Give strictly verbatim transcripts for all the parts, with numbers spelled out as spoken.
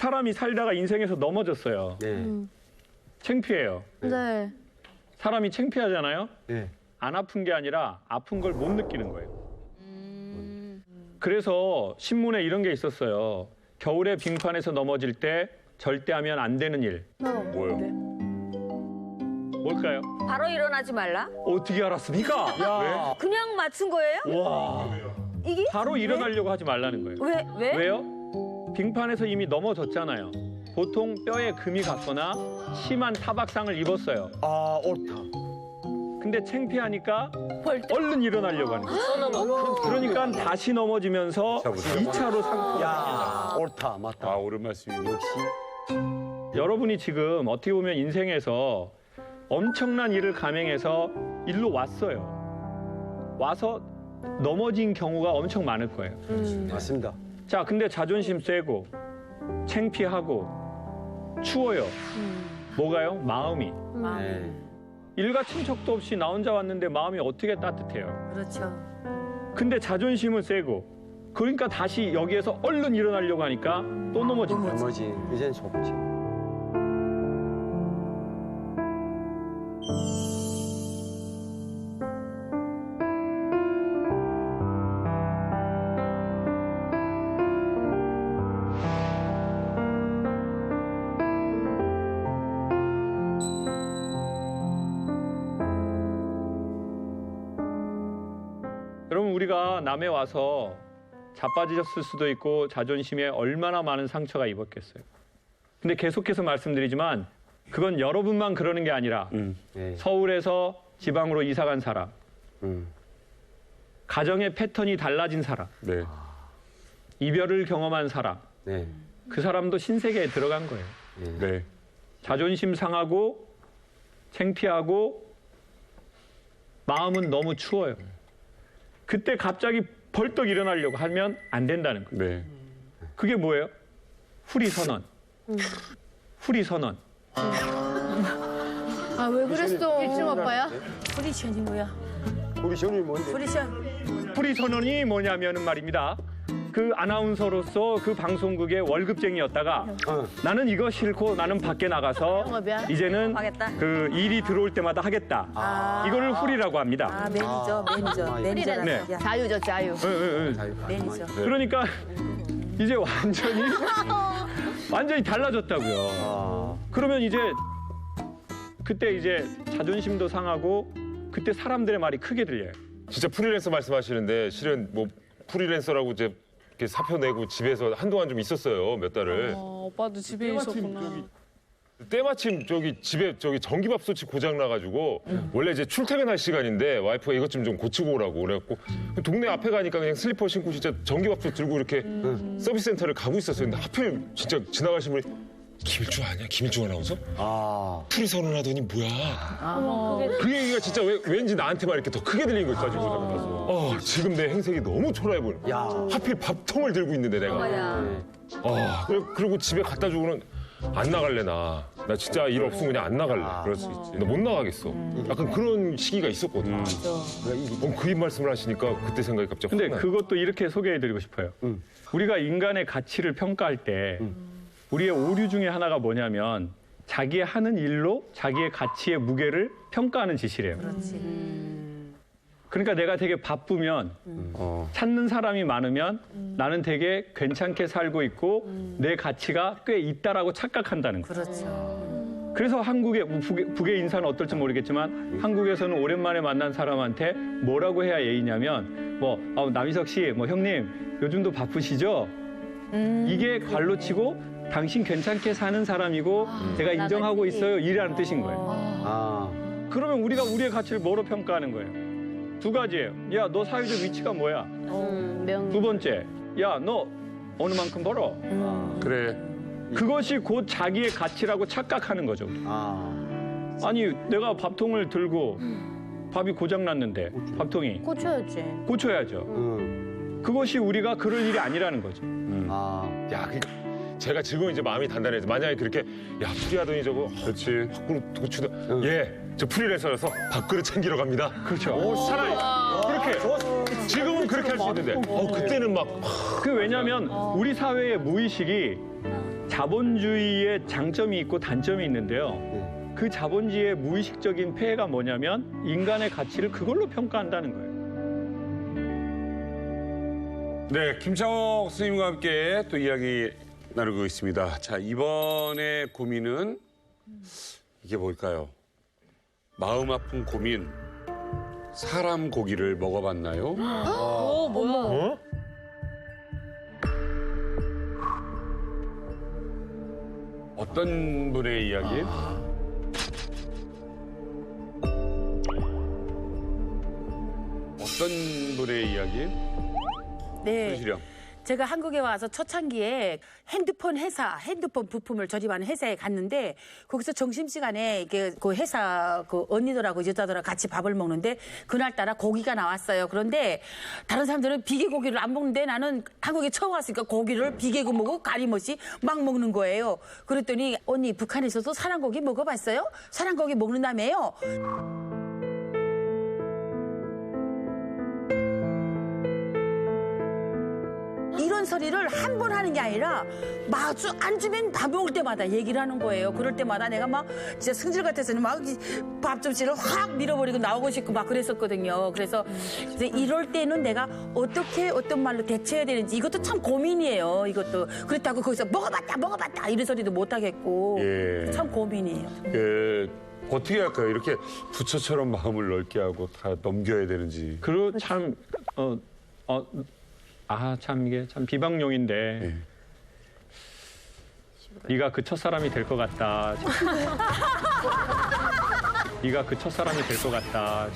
사람이 살다가 인생에서 넘어졌어요. 네. 음. 창피해요. 네. 사람이 창피하잖아요. 네. 안 아픈 게 아니라 아픈 걸 못 느끼는 거예요. 음. 그래서 신문에 이런 게 있었어요. 겨울에 빙판에서 넘어질 때 절대 하면 안 되는 일. 뭐요? 뭘까요? 바로 일어나지 말라? 어떻게 알았습니까? 야. 그냥 맞춘 거예요? 와. 이게? 바로 일어나려고 하지 말라는 거예요. 왜? 왜? 왜요? 빙판에서 이미 넘어졌잖아요. 보통 뼈에 금이 갔거나 심한 타박상을 입었어요. 아, 옳다. 근데 창피하니까 얼른 일어나려고 하는 거예요. 그러니까 다시 넘어지면서 이 차로 상처. 야, 옳다. 맞다. 아, 옳은 말씀이네요. 역시. 여러분이 지금 어떻게 보면 인생에서 엄청난 일을 감행해서 일로 왔어요. 와서 넘어진 경우가 엄청 많을 거예요. 맞습니다. 자, 근데 자존심 세고 창피하고 추워요. 뭐가요? 마음이. 네. 일가 친척도 없이 나 혼자 왔는데 마음이 어떻게 따뜻해요. 그렇죠. 근데 자존심은 세고 그러니까 다시 여기에서 얼른 일어나려고 하니까 또 넘어진 거예요. 나머지 이젠 속지. 여러분, 우리가 남에 와서 자빠지셨을 수도 있고 자존심에 얼마나 많은 상처가 입었겠어요. 근데 계속해서 말씀드리지만 그건 여러분만 그러는 게 아니라 음. 네. 서울에서 지방으로 이사 간 사람, 음. 가정의 패턴이 달라진 사람, 네. 이별을 경험한 사람, 네. 그 사람도 신세계에 들어간 거예요. 네. 자존심 상하고 창피하고 마음은 너무 추워요. 그때 갑자기 벌떡 일어나려고 하면 안 된다는 거예요. 네. 그게 뭐예요? 후리 선언. 후리 선언. 아, 왜 그랬어? 일중 아빠야? 프리션이 뭐야? 우리 시험이 뭔데? 프리션. 후리 선언이 뭐냐면은 말입니다. 그 아나운서로서 그 방송국의 월급쟁이였다가 어. 나는 이거 싫고 나는 밖에 나가서 영업이야? 이제는 하겠다. 그 일이 들어올 때마다 하겠다. 이거를 후리라고 합니다. 아, 매니저, 매니저, 아, 매니저라는 네. 얘기야. 자유죠, 자유. 응, 응, 응. 매니저. 그러니까 이제 완전히 완전히 달라졌다고요. 아. 그러면 이제 그때 이제 자존심도 상하고 그때 사람들의 말이 크게 들려요. 진짜 프리랜서 말씀하시는데 실은 뭐 프리랜서라고 이제 이렇게 사표 내고 집에서 한동안 좀 있었어요. 몇 달을. 어, 오빠도 집에 있었구나. 때마침 저기 집에 저기 전기밥솥이 고장 나가지고 원래 이제 출퇴근할 시간인데 와이프가 이것 좀 좀 고치고 오라고 그래갖고 동네 앞에 가니까 그냥 슬리퍼 신고 진짜 전기밥솥 들고 이렇게 서비스 센터를 가고 있었어요. 근데 하필 진짜 지나가신 분이 김일중 아니야? 김일중 아나운서? 아. 풀이 선언하더니 뭐야? 그 얘기가 진짜 왜, 왠지 나한테만 이렇게 더 크게 들린 걸 가지고 어, 지금 내 행색이 너무 초라해 보여. 야. 하필 밥통을 들고 있는데 내가. 뭐야? 아, 그래- 그리고 집에 갖다 주고는 안 나갈래 나. 나 진짜 일 없으면 그냥 안 나갈래. 그럴 수 있지. 나 못 나가겠어. 약간 그런 시기가 있었거든. 요 어, 그 말씀을 하시니까 그때 생각이 갑자기 근데 확 나요. 그것도 이렇게 소개해드리고 싶어요. 음. 우리가 인간의 가치를 평가할 때 우리의 오류 중에 하나가 뭐냐면 자기의 하는 일로 자기의 가치의 무게를 평가하는 짓이래요. 그러니까 내가 되게 바쁘면 어. 찾는 사람이 많으면 나는 되게 괜찮게 살고 있고 내 가치가 꽤 있다라고 착각한다는 거예요. 그렇죠. 그래서 한국의 북의, 북의 인사는 어떨지 모르겠지만 한국에서는 오랜만에 만난 사람한테 뭐라고 해야 예의냐면 뭐 아, 남희석 씨, 뭐 형님 요즘도 바쁘시죠? 이게 관로치고 당신 괜찮게 사는 사람이고 제가 인정하고 있어요 이라는 뜻인 거예요. 아. 그러면 우리가 우리의 가치를 뭐로 평가하는 거예요? 두 가지예요. 야, 너 사회적 위치가 뭐야? 음, 명. 두 번째, 야, 너 어느 만큼 벌어? 그래. 그것이 곧 자기의 가치라고 착각하는 거죠. 아. 아니, 내가 밥통을 들고 밥이 고장났는데 밥통이 고쳐야지. 고쳐야죠. 응. 그것이 우리가 그럴 일이 아니라는 거죠. 아. 야, 그러니까 제가 지금 이제 마음이 단단해져. 만약에 그렇게 야 프리하더니 저거 그렇지. 밖으로 고치다. 예, 저 프리랜서라서 밥그릇 챙기러 갑니다. 그렇죠. 차라리 그렇게 지금은 그렇게 할 수 있는데 어 그때는 막 그 왜냐하면 우리 사회의 무의식이 자본주의의 장점이 있고 단점이 있는데요. 네. 그 자본주의의 무의식적인 폐해가 뭐냐면 인간의 가치를 그걸로 평가한다는 거예요. 네, 김창옥 스님과 함께 또 이야기 나누고 있습니다. 자, 이번에 고민은 이게 뭘까요? 마음 아픈 고민. 사람 고기를 먹어봤나요? 어, 뭐야? 어? 어떤 분의 이야기? 어떤 분의 이야기? 네. 손시령. 제가 한국에 와서 초창기에 핸드폰 회사, 핸드폰 부품을 조립하는 회사에 갔는데 거기서 점심시간에 이게 그 회사 그 언니들하고 여자들하고 같이 밥을 먹는데 그날따라 고기가 나왔어요. 그런데 다른 사람들은 비계 고기를 안 먹는데 나는 한국에 처음 왔으니까 고기를 비계고 먹고 가림없이 막 먹는 거예요. 그랬더니 언니 북한에서도 사람고기 먹어봤어요? 사람고기 먹는다며요? 이런 소리를 한 번 하는 게 아니라 마주 앉으면 밥 먹을 때마다 얘기를 하는 거예요. 그럴 때마다 내가 막 진짜 승질 같아서는 막 밥 접시를 확 밀어버리고 나오고 싶고 막 그랬었거든요. 그래서 이제 이럴 때는 내가 어떻게 어떤 말로 대처해야 되는지 이것도 참 고민이에요. 이것도 그렇다고 거기서 먹어봤다 먹어봤다 이런 소리도 못 하겠고 예. 참 고민이에요. 그, 어떻게 할까요? 이렇게 부처처럼 마음을 넓게 하고 다 넘겨야 되는지. 그리고 참, 어, 어, 아, 참 이게 참 비방용인데. 예. 네가 그 첫사람이 될 것 같다. 네가 그 첫사람이 될 것 같다.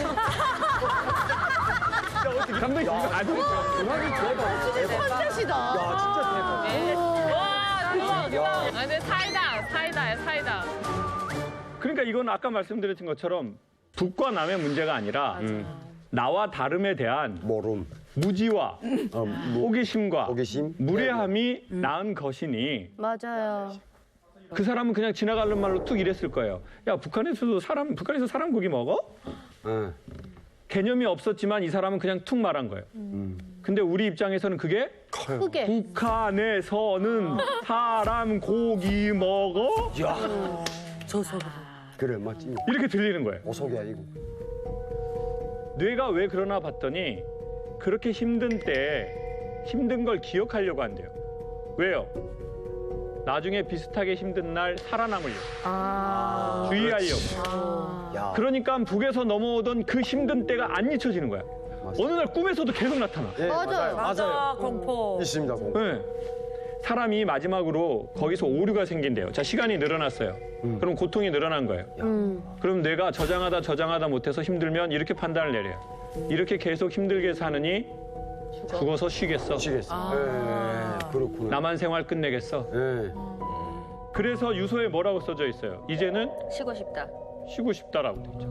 감독님 이거 안 돼요. 컨셉이다. 야, 진짜 대박. 와, 대박, 대박. 아, 근데 사이다, 사이다야, 사이다. 그러니까 이건 아까 말씀드린 것처럼 북과 남의 문제가 아니라 음. 나와 다름에 대한 모름. 무지와 어, 무, 호기심과 호기심? 무례함이 낳은 것이니 맞아요. 그 사람은 그냥 지나가는 말로 뚝 이랬을 거예요. 야, 북한에서도 사람, 북한에서 사람 고기 먹어? 예. 개념이 없었지만 이 사람은 그냥 툭 말한 거예요. 근데 우리 입장에서는 그게 커요. 크게. 북한에서는 사람 고기 먹어? 야, 저 소리. 그래, 맞지. 이렇게 들리는 거예요. 오속이 아니고. 뇌가 왜 그러나 봤더니 그렇게 힘든 때 힘든 걸 기억하려고 한대요. 왜요? 나중에 비슷하게 힘든 날 살아남으려고. 아. 주의하려고. 야, 그러니까 북에서 넘어오던 그 힘든 때가 안 잊혀지는 거야. 어느 날 꿈에서도 계속 나타나. 예, 맞아요. 맞아, 공포. 있습니다, 공포. 네. 사람이 마지막으로 거기서 오류가 생긴대요. 자, 시간이 늘어났어요. 그럼 고통이 늘어난 거예요. 음. 그럼 뇌가 저장하다 저장하다 못해서 힘들면 이렇게 판단을 내려요. 이렇게 계속 힘들게 사느니 죽어서 쉬겠어. 미치겠어. 예, 그렇구나. 나만 생활 끝내겠어. 예. 그래서 유서에 뭐라고 써져 있어요? 이제는 쉬고 싶다. 쉬고 싶다라고 돼 있죠.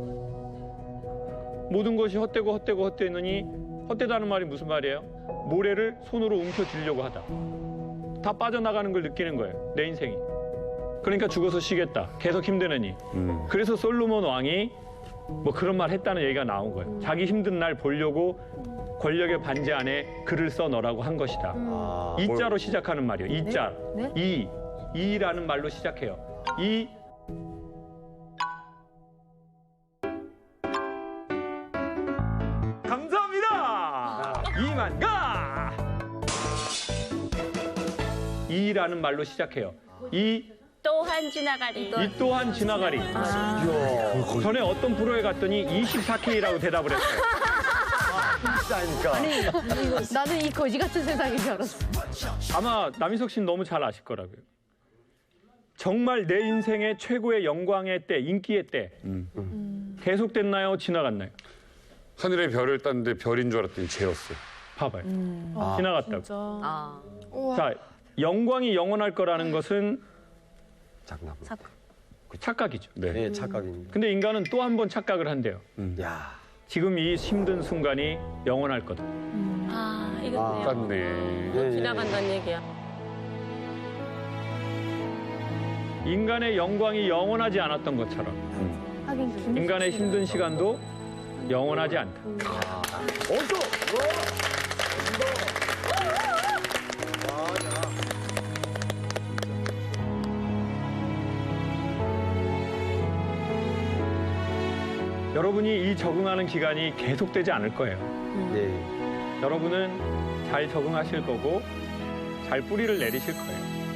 모든 것이 헛되고 헛되고 헛되느니 헛되다는 말이 무슨 말이에요? 모래를 손으로 움켜쥐려고 하다. 다 빠져나가는 걸 느끼는 거예요. 내 인생이. 그러니까 죽어서 쉬겠다. 계속 힘드느니. 음. 그래서 솔로몬 왕이 뭐 그런 말 했다는 얘기가 나온 거예요. 자기 힘든 날 보려고 권력의 반지 안에 글을 써 넣으라고 한 것이다. 아, 이자로 시작하는 말이에요. 이자. 네? 이. 이라는 말로 시작해요. 이. 감사합니다. 이만 가. 이라는 말로 시작해요. 이. 또한 지나가리. 이 또한 지나가리. 전에 어떤 프로에 갔더니 이십사 케이라고 대답을 했어요. 비싸니까. 나는 이 거지 같은 세상인 줄 알았어. 아마 남희석 씨는 너무 잘 아실 거라고요. 정말 내 인생의 최고의 영광의 때, 인기의 때 계속됐나요? 지나갔나요? 하늘에 별을 땄는데 별인 줄 알았더니 죄였어. 봐봐요. 아. 지나갔다고. 진짜. 아. 자, 영광이 영원할 거라는 것은 장난. 착각이죠. 네. 예, 착각입니다. 근데 인간은 또 한 번 착각을 한대요. 야, 지금 이 힘든 순간이 영원할 거다. 아, 아. 이거 땄네. 예, 예. 지나간다는 얘기야. 인간의 영광이 영원하지 않았던 것처럼 하긴 김 인간의 힘든 시간도 영원하지 않다. 여러분이 이 적응하는 기간이 계속되지 않을 거예요. 네. 여러분은 잘 적응하실 거고 잘 뿌리를 내리실 거예요.